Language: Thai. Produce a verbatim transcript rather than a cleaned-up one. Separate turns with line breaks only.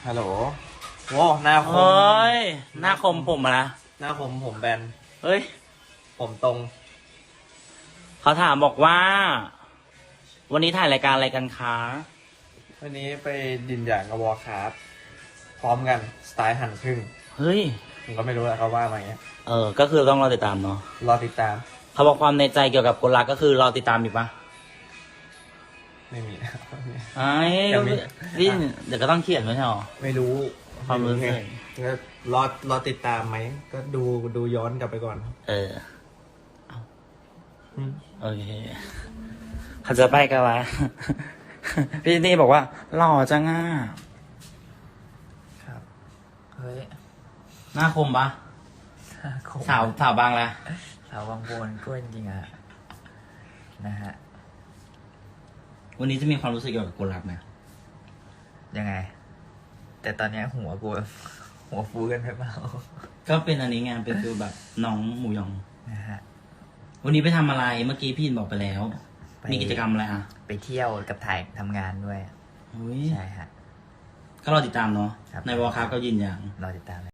ฮัลโหลโว้หน้าคม
เฮ้ย หน้าคมผมอะนะ
หน้าคมผมแบน
เฮ้ย
ผมตรง
เขาถามบอกว่า วันนี้ถ่ายรายการอะไรกันคะ
วันนี้ไปดินอย่างกับวอลคราฟพร้อมกันสไตล์หั่นครึ่ง
เฮ้ย
ผมก็ไม่รู้แหละเขาว่ามาอย่างเงี้ย
เออ ก็คือต้องรอติดตามเนาะ
รอติดตาม
เขาบอกความในใจเกี่ยวกับคนรักก็คือรอติดตามอีกปะ
ไม่มี
ไอ้
ยังมี
นี่เดี๋ยวก็ต้องเขียนไว้ใช่หรอ
ไม่รู้
ความรู้สึก
ก็รอรอติดตามไหมก็ดูดูย้อนกลับไปก่อน
เออ
อืม
โอเคเขาจะไปกันวะ พี่นี่บอกว่าหล่อจังอ่ะ
ครับ เฮ้ย
หน้าคมปะ
คง
สาวสาวบางละ
สาวบางโบนก็จริงๆอะนะฮะ
วันนี้จะมีความรู้สึกเกี่ยวกับคนรักไหม
ยังไง แต่ตอนเนี้ยหัวกู หัวฟูกันไปเปล่า
ก็เป็นอันนี้ไงเป็นฟิลแบบน้องหมูยอง
นะฮะ
วันนี้ไปทำอะไรเมื่อกี้พี่บอกไปแล้ว
ไป
มีกิจกรรมอะไรอ่ะ
ไปเที่ยวกับถ่ายทำงานด้วย
อุ้ย
ใช่ฮะ
ก็รอติดตามเนาะ
ครับ
ในวอลคราฟก็ยืนยัน
รอติดตามเลย